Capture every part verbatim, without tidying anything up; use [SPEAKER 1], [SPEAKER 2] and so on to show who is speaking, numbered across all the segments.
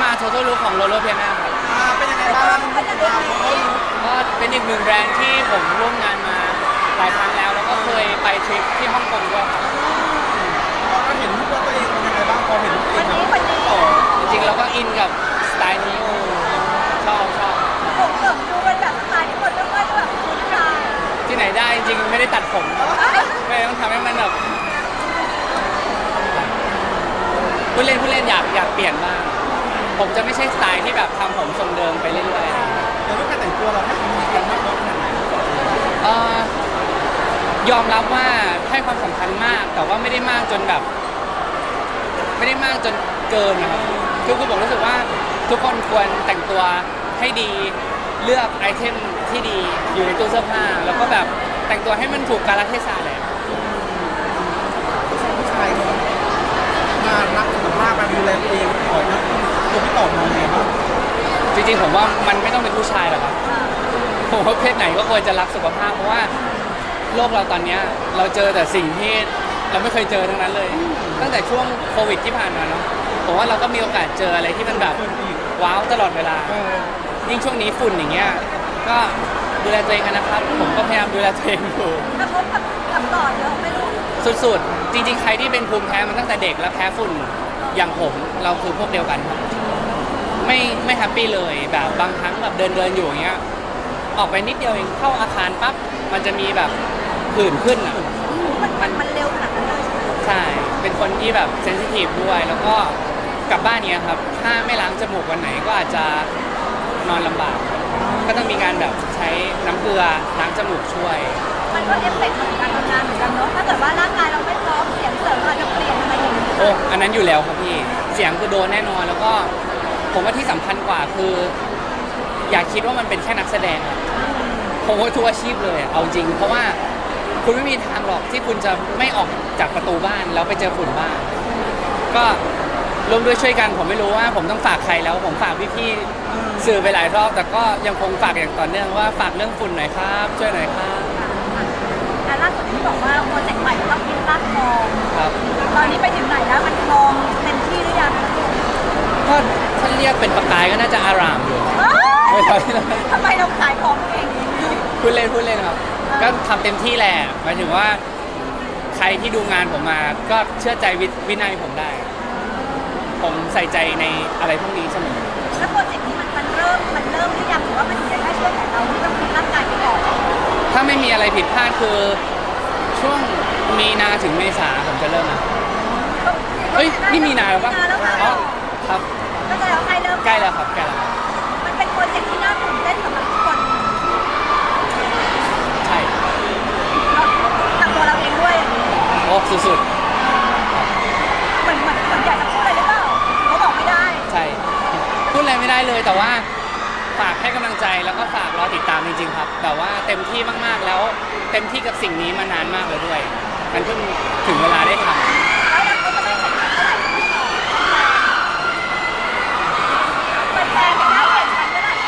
[SPEAKER 1] Total Look ของ Lolo Piana ครับ
[SPEAKER 2] อ่าเป็นยังไงบ้างเป็นยังไงบ้าง
[SPEAKER 1] ก็เป็นอีกหนึ่งแบรนด์ที่ผมร่วมงานมาหลายครั้งแล้ว แล้วก็เคยไปทริปที่ฮ่องกงด้วยครับ
[SPEAKER 2] พอเราเห็นรูปตัวเองเป็นยังไงบ้างพอเห็นรูปตัวเองแบบต่อ
[SPEAKER 1] จริงๆเราก็อินกับสไตล์นี้ชอบชอบ
[SPEAKER 3] ผมเกือบดูเป็นแบบสไตล์ที่คนไม่ค่อยแบบคุ้นตา
[SPEAKER 1] ที่ไหนได้จริงๆไม่ได้ตัดผมไม่ต้องทำให้มันแบบผู้เล่นผู้เล่นอยากอยากเปลี่ยนบ้างผมจะไม่ใช่สไตล์ที่แบบทำผมทรงเดิมไปเรื่อยๆ
[SPEAKER 2] แต่รูปการแต่งตัวเราให้มีกันมากน้อยขนาดไหน
[SPEAKER 1] เอ่อยอมรับว่าให้ความสำคัญมาก แต่ว่าไม่ได้มากจนแบบ ไม่ได้มากจนเกินนะครับคือคือผมรู้สึกว่าทุกคนควรแต่งตัวให้ดีเลือกไอเทมที่ดีอยู่ในตู้เสื้อผ้าแล้วก็แบบแต่งตัวให้มันถูกกาลเทศะแหละ
[SPEAKER 2] ผู้ชายเขามารักสุขภาพมาดูแลตัวเองก่อนนะตัวพี่ต่อมองไงบ้าง
[SPEAKER 1] จริงๆผมว่ามันไม่ต้องเป็นผู้ชายหรอกครับผมว่าเพศไหนก็ควรจะรักสุขภาพเพราะว่าโลกเราตอนนี้เราเจอแต่สิ่งที่เราไม่เคยเจอทั้งนั้นเลย ตั้งแต่ช่วงโควิดที่ผ่านมาเนาะผมว่าเราก็มีโอกาสเจออะไรที่มันแบบว้าวตลอดเวลายิ่งช่วงนี้ฝุ่นอย่างเงี้ยก็ดูแลตัวเองกันนะครับผมก็พยายามดูแลตัวเองอยู่
[SPEAKER 3] กระทบกับกับต่อเยอะไม่รู้
[SPEAKER 1] สุดๆจริงๆใครที่เป็นภูมิแพ้มันตั้งแต่เด็กแล้วแพ้ฝุ่นอย่างผมเราคือพวกเดียวกันครับไม่ไม่แฮปปี้เลยแบบบางครั้งแบบเดินเดินอยู่อย่างเงี้ยออกไปนิดเดียวเองเข้าอาคารปั๊บมันจะมีแบบผื่นขึ้นอ่ะ
[SPEAKER 3] มันมันมันเร็วขนาดนั้นเลย
[SPEAKER 1] ใช่เป็นคนที่แบบเซนซิทีฟด้วยแล้วก็กลับบ้านเนี้ยครับถ้าไม่ล้างจมูกวันไหนก็อาจจะนอนลำบาก ก็ต้องมีการแบบใช้น้ำเกลือล้างจมูกช่วย
[SPEAKER 3] มันก็เอฟเฟกต์ของการทำงานเหมือนกันเนาะถ้าเกิดว่าร่างกายเราไม่พร้อมเสียงเสริมอาจจะเปลี่ยนอะไรอย่างนี้
[SPEAKER 1] โอ้อันนั้นอยู่แล้วครับพี่เสียงคือโดนแน่นอนแล้วก็ผมว่าที่สำคัญกว่าคือ อย่าคิดว่ามันเป็นแค่นักแสดงอะผมว่าทุกอาชีพเลยอะเอาจริง เพราะว่าคุณไม่มีทางหรอกที่คุณจะไม่ออกจากประตูบ้านแล้วไปเจอฝุ่นบ้านก็ร่วมด้วยช่วยกันผมไม่รู้ว่าผมต้องฝากใครแล้วผมฝากพี่ๆสื่อไปหลายรอบแต่ก็ยังคงฝากอย่างต่อเนื่องว่าฝากเรื่องฝุ่นหน่อยครับช่วยหน่อยครับ
[SPEAKER 3] อ่ะล่าสุดที่บอกว่าโปรเจกต์ใหม่ต้องกินลาดทอง
[SPEAKER 1] ครับ
[SPEAKER 3] ตอนนี้ไปถึงไหนแล้วมันทองเต็มที่หรือยัง
[SPEAKER 1] ก็ถ้าเรียกเป็นประกายก็น่าจะอารามอยู่
[SPEAKER 3] เอ้ย
[SPEAKER 1] ไม่ใช่
[SPEAKER 3] ทำไมเราขายของเก่งอย่างนี้
[SPEAKER 1] พูดเล่นพูดเล่นครับ ก็ทำเต็มที่แหละหมายถึงว่าใครที่ดูงานผมมา ก็เชื่อใจวิวินัยผมได้ ผมใส่ใจในอะไรพวกนี้เสมอ
[SPEAKER 3] แล้วโปรเจกต์นี้มันมันเริ่มมันเริ่มหรือยังหรือว่ามันอยู่ในแค่ช่วงของเราที่ต้องกินร่างกายไปก่อน
[SPEAKER 1] ถ้าไม่มีอะไรผิดพลาดคือช่วงมีนาถึงเมษาผมจะเริ่มนะเฮ้ยนี่มีนาแล้วปะ
[SPEAKER 3] มีนาแล้วค่ะ
[SPEAKER 1] อ๋อครับ
[SPEAKER 3] ก็จะแล้วใกล้เริ่ม
[SPEAKER 1] ใกล้แล้วครับใกล้แล้วครับ
[SPEAKER 3] มันเป็นโปรเจกต์ที่น่าตื่นเต้นสำหรับทุกคน
[SPEAKER 1] ใช่
[SPEAKER 3] ทางตัวเราเองด้วยอย่างนี้
[SPEAKER 1] โอ้สุด
[SPEAKER 3] เหมือนเหมือนเหมือนอยากจะพูดอะไรหรือเปล่าเขาบอกไม่ได้
[SPEAKER 1] ๆใช่พูดอะไรไม่ได้เลยแต่ว่าฝากให้กำลังใจแล้วก็ฝากรอติดตามจริงๆครับแต่ว่าเต็มที่มากๆแล้วเต็มที่กับสิ่งนี้มานานมากเลยด้วยมันเพิ่งถึงเวลาได้ทำ
[SPEAKER 3] แล้วเราก็จะไม่แข่งขันเท่าไหร่ไม่ต่อเป็นแฟนกันได้แข่งขันเท่าไหร่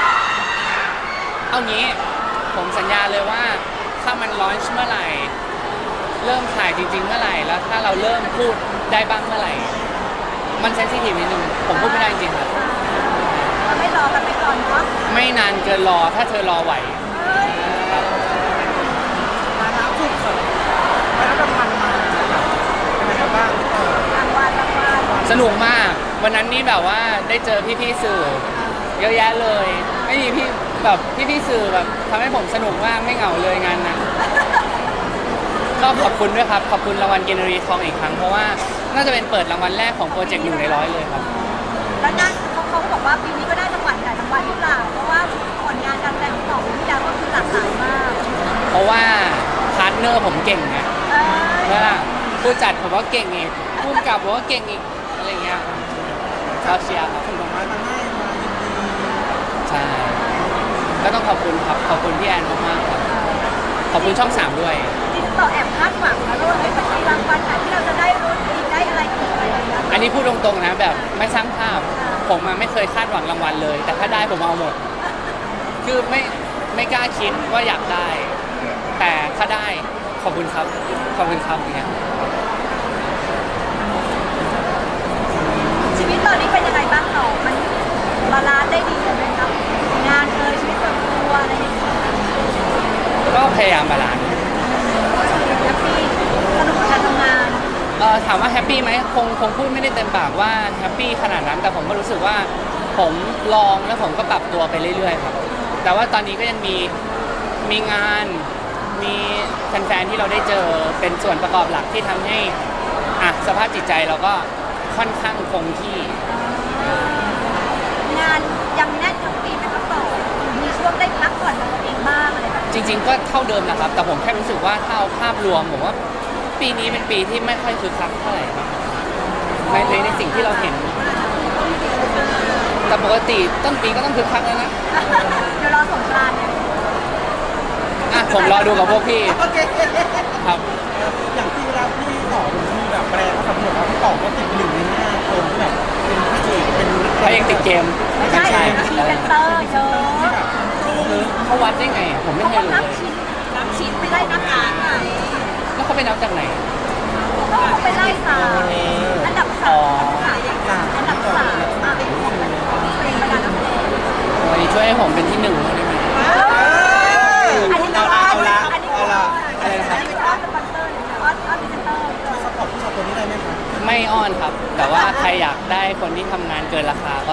[SPEAKER 1] เอางี้ผมสัญญาเลยว่าถ้ามันลอนช์เมื่อไหร่เริ่มถ่ายจริงๆเมื่อไหร่แล้วถ้าเราเริ่มพูดได้บ้างเมื่อไหร่มันเซนซิทีฟนิดนึงผมพูดไม่ได้จริงๆครับ
[SPEAKER 3] เราไม่รอกันไปก่อนเนาะ
[SPEAKER 1] ไม่นานเกินรอถ้าเธอรอไหว
[SPEAKER 3] เอ้ย
[SPEAKER 1] ครับ
[SPEAKER 2] มาน้ำสุดสุดมาน้ำดำมันมาเป็นยังไงบ้างเออ
[SPEAKER 3] รางวัลรางวัล
[SPEAKER 1] สนุกมากวันนั้นนี่แบบว่าได้เจอพี่ๆสื่อเยอะแยะเลยไม่มีพี่แบบพี่ๆสื่อแบบทำให้ผมสนุกมากไม่เหงาเลยงานนั้นก็ขอบคุณด้วยครับขอบคุณรางวัลเกนรีทองอีกครั้งเพราะว่าน่าจะเป็นเปิดรางวัลแรกของโปรเจกต์อยู่ในร้อยเลยครับ
[SPEAKER 3] แล้วนั่นเขาเขาก็บอกว่าปีนี้ก็ได้จังหวัดใหญ่รางวัลหรือเปล่าเพราะว่าผลงานการแสดงของสองปีที่แล้วก็คือหลากหลายมาก
[SPEAKER 1] เพราะว่าพาร์ทเนอร์ผมเก่งไง
[SPEAKER 3] เอ้ย
[SPEAKER 1] แล้วล่ะผู้จัดผมว่าเก่งอีกผู้กำกับผมว่าเก่งอีกอะไรเงี้ยเราเชียร์ครับ
[SPEAKER 2] ส่งดอกไม้มาให้มายินดี
[SPEAKER 1] ใช่ก็ต้องขอบคุณครับขอบคุณพี่แอนมากๆครับขอบคุณช่องสามด้วย
[SPEAKER 3] จริงๆเราแอบคาดหวังนะลูกไอ้จะมีรางวัลไหนที่เราจะได้รุ่นอีกได้อะไรอีกอะไรอย่างเงี้ย
[SPEAKER 1] อันนี้พูดตรงๆนะแบบไม่สร้างภาพ ผมอะไม่เคยคาดหวังรางวัลเลย แต่ถ้าได้ผมเอาหมด คือไม่ไม่กล้าคิดว่าอยากได้ แต่ถ้าได้ขอบคุณครับขอบคุณครับอย่างเงี้ย
[SPEAKER 3] ชีวิตตอนนี้เป็นยังไงบ้างต่อมัน
[SPEAKER 1] ยายามบาลานซ์
[SPEAKER 3] แฮปปี้สนุกกับการทำงาน
[SPEAKER 1] เอ่อถามว่าแฮปปี้ไหมคงคงพูดไม่ได้เต็มปากว่าแฮปปี้ขนาดนั้นแต่ผมก็รู้สึกว่าผมลองแล้วผมก็ปรับตัวไปเรื่อยๆครับแต่ว่าตอนนี้ก็ยังมีมีงานมีแฟนๆที่เราได้เจอเป็นส่วนประกอบหลักที่ทำให้อ่ะสภาพจิตใจเราก็ค่อนข้างคงที่
[SPEAKER 3] งานยังแน่นทั้งปีไหมครับต่อมีช่วงได้พักผ่อนกับตัวเองบ้างอะไรแบบนี้
[SPEAKER 1] จริง ๆ ก็เท่าเดิมนะครับ แต่ผมแค่รู้สึกว่าถ้าเอาภาพรวมผมว่าปีนี้เป็นปีที่ไม่ค่อยคึกคักเท่าไหร่ครับในในในสิ่งที่เราเห็น แต่ปกติต้นปีก็ต้องคึกคักแล้วนะ
[SPEAKER 3] เดี๋ยวรอสงกรานต์เนี่ย
[SPEAKER 1] อ่ะผมรอดูกับพวกพี่
[SPEAKER 2] โอเค
[SPEAKER 1] ครับ
[SPEAKER 2] อย่างที่เวลาพี่ต่อเป็นที่แบบแปลก็สำรวจว่าพี่ต่อก็ติดหนึ่งในห้าคนที่แบบเป็นพระเอกเป็นนัก
[SPEAKER 1] เขายังติดเกม
[SPEAKER 3] ไม่ใช่พรีเซนเตอร์เยอะ
[SPEAKER 1] เขาวัดได้ไงผมไม่
[SPEAKER 3] เขา
[SPEAKER 1] เค
[SPEAKER 3] ก็
[SPEAKER 1] ยรู้
[SPEAKER 3] นับ
[SPEAKER 1] เลย
[SPEAKER 3] ชิ้นนับชิ้นไม่ได้นับงานไง
[SPEAKER 1] แล้วเขาไปนับจากไหน
[SPEAKER 3] ก็เขาไปไล่ตามอันดับสามอันดับสามอ่ะเป็นของเพลงบรรดานักเพลง
[SPEAKER 1] วันนี้ช่วยให้ผมเป็นที่หนึ่งได้ไหม
[SPEAKER 3] อันนี้ก็
[SPEAKER 2] เอาละ
[SPEAKER 3] อันนี้
[SPEAKER 2] เอา
[SPEAKER 3] ก็
[SPEAKER 2] ละ
[SPEAKER 3] อันนี้ก็อ้อนสปอนเซอร์เลยนะอ้อนอ้อนพรีเซนเตอร์เลย
[SPEAKER 2] ซัพพอร์ตผู้ชายคนนี้ได้ไหมคะ
[SPEAKER 1] ไม่อ้อนครับ แต่ว่าใครอยากได้คนที่ทำงานเกินราคาก็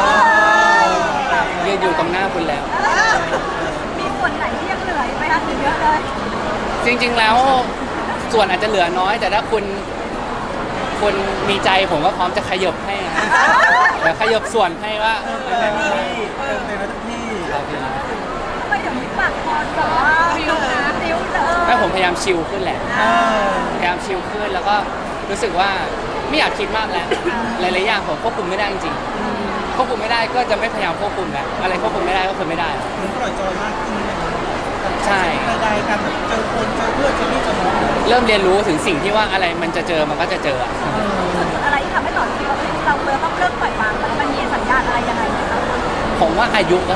[SPEAKER 1] ยืนอยู่ตรงหน้าคุณแล้ว
[SPEAKER 3] มีส่วนไหนที่ยังเหลือไหมคะหรือเยอะเลย
[SPEAKER 1] จริง ๆ แล้วส่วนอาจจะเหลือน้อย แต่ถ้าคุณคุณมีใจผมก็พร้อมจะขยบให้นะเดี๋ยวขยบส่วนให้ว่า
[SPEAKER 2] เต็มที่เต็มเต็มทุกที่
[SPEAKER 1] ครับ
[SPEAKER 3] ทำไมเดี๋ยวนี้ปากคอแบบว่าฟิวนะฟิวเออ
[SPEAKER 1] แม่ผมพยายามชิลขึ้นแหละ
[SPEAKER 2] เออ
[SPEAKER 1] พยายามชิลขึ้นแล้วก็รู้สึกว่าไม่อยากคิดมากแล้วหลายๆอย่างผมควบคุมไม่ได้จริงๆควบคุมไม่ได้ก็จะไม่พยายามควบคุมแล้วอะไรควบคุมไม่ได้ก็คือไม่ได้
[SPEAKER 2] เหมือนปล่อยจอยมากขึ้นเลย
[SPEAKER 1] ใช่
[SPEAKER 2] ใดๆกันแบบเจอคนเจอเพื่อนเจอนี่เจอน้อง
[SPEAKER 1] เริ่มเรียนรู้ถึงสิ่งที่ว่าอะไรมันจะเจอมันก็จะเจออะ
[SPEAKER 3] อะไรที่ทำให้ต่อคิดว่าเฮ้ยเราเริ่มต้องเริ่มปล่อยวางแล้วมันมีสัญญาณอะไรยังไงไหมคะ
[SPEAKER 1] ผมว่าอายุก็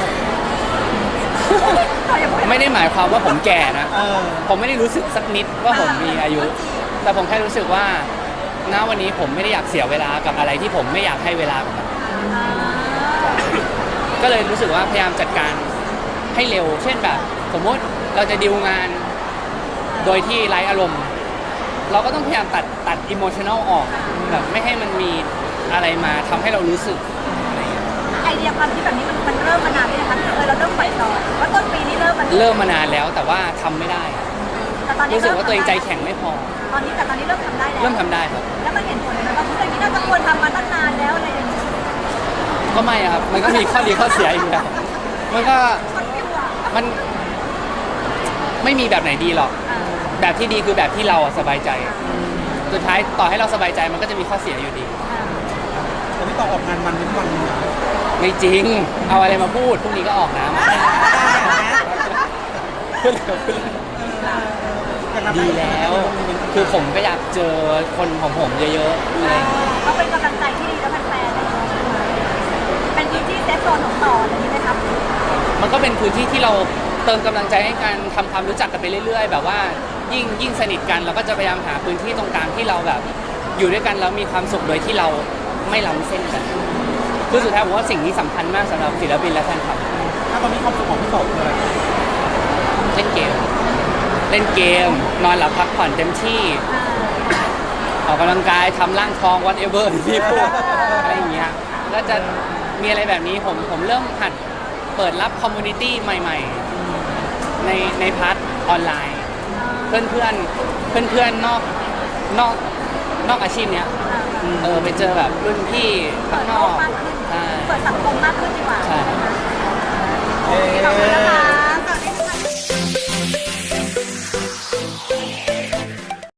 [SPEAKER 3] ต่ออย่าพูด
[SPEAKER 1] ไม่ได้หมายความว่าผมแก่นะ
[SPEAKER 2] เออ
[SPEAKER 1] ผมไม่ได้รู้สึกสักนิดว่าผมมีอายุ แต่ผมแค่รู้สึกว่าณวันนี้ผมไม่ได้อยากเสียเวลากับอะไรที่ผมไม่อยากให้เวลากับมันก็เลยรู้สึกว่าพยายามจัดการให้เร็ว เช่นแบบ สมมติเราจะดีลงาน โดยที่ไร้อารมณ์ เราก็ต้องพยายามตัดตัดอิโมชัน a ลออกแบบไม่ให้มันมีอะไรมาทำให้เรารู้สึกอะไรอย่างเงี้ย
[SPEAKER 3] ไอเดียความคิดแบบนี้มันมันเริ่มมานานเลยนะคะเออเราเริ่มปล่อยจอยว่าต้นปีนี้เริ่มมัน
[SPEAKER 1] เริ่มมานานแล้วแต่ว่าทำไม่ได้
[SPEAKER 3] แต่ตอนนี้
[SPEAKER 1] รู้สึกว่าตัวเองใจแข็งไม่พอ
[SPEAKER 3] ตอนนี้แต่ตอนนี้เริ่มทำได้แล้ว
[SPEAKER 1] เริ่มทำได้ครับ
[SPEAKER 3] แล้วมันเห็นผลไหมว่าเรื่องนี้น่าจะควรทำมาตั้งนานแล้วอะไรอย่างเงี้ย
[SPEAKER 1] ก็ไม่อะครับ มันก็มีข้อดีข้อเสียอยู่แล้วมันก็
[SPEAKER 3] มันฟิวอ่ะ
[SPEAKER 1] มันไม่มีแบบไหนดีหรอก
[SPEAKER 3] อ่า
[SPEAKER 1] แบบที่ดีคือแบบที่เราอะสบายใจ สุดท้ายต่อให้เราสบายใจมันก็จะมีข้อเสียอยู่ดี
[SPEAKER 3] อ่า
[SPEAKER 2] แต่พี่ต่อออกงานมันทุกวันเลยนะ
[SPEAKER 1] ไม่จริง เอาอะไรมาพูดพรุ่งนี้ก็ออกน้ำพูดเลยพูดเลยดีแล้ว คือผมก็อยากเจอคนของผมเยอะๆอะไรอย่างเงี้ย
[SPEAKER 3] ก็เป็นกำลังใจที่ดีแล้วแฟนๆเลยเป็นพื้นที่เซฟโซนของต่ออย่างนี้ไหมครับ
[SPEAKER 1] มันก็เป็นพื้นที่ที่เราเติมกำลังใจให้กันทำความรู้จักกันไปเรื่อย ๆ แบบว่ายิ่งยิ่งสนิทกันเราก็จะพยายามหาพื้นที่ตรงกลางที่เราแบบอยู่ด้วยกันแล้วมีความสุขโดยที่เราไม่ล้ำเส้นกันคือสุดท้ายผมว่าสิ่งนี้สำคัญมากสำหรับศิลปินและแฟนคลับ
[SPEAKER 2] ถ้าตอนนี้ความสุขของพี่ต่อคืออะไร
[SPEAKER 1] เล่นเกม เล่นเกม นอนหลับพักผ่อนเต็มที่ ออกกำลังกายทำร่างทอง whatever ที่พี่พูดอะไรอย่างเงี้ยก็จะมีอะไรแบบนี้ผมผมเริ่มหัดเปิดรับคอมมูนิตี้ใหม่ๆ ในในพาร์ทออนไลน์ เพื่อนเพื่อนเพื่อนเพื่อนๆนอกนอกนอกอาชีพเนี้ยเออไปเจอแบบรุ่นพี่
[SPEAKER 3] เปิ
[SPEAKER 1] ข้าง
[SPEAKER 3] ด
[SPEAKER 1] น
[SPEAKER 3] โล
[SPEAKER 1] อก ก
[SPEAKER 3] มากขึ้น
[SPEAKER 1] ใช่
[SPEAKER 3] เปิดสังคมมากขึ้นดีกว่า
[SPEAKER 1] ใช่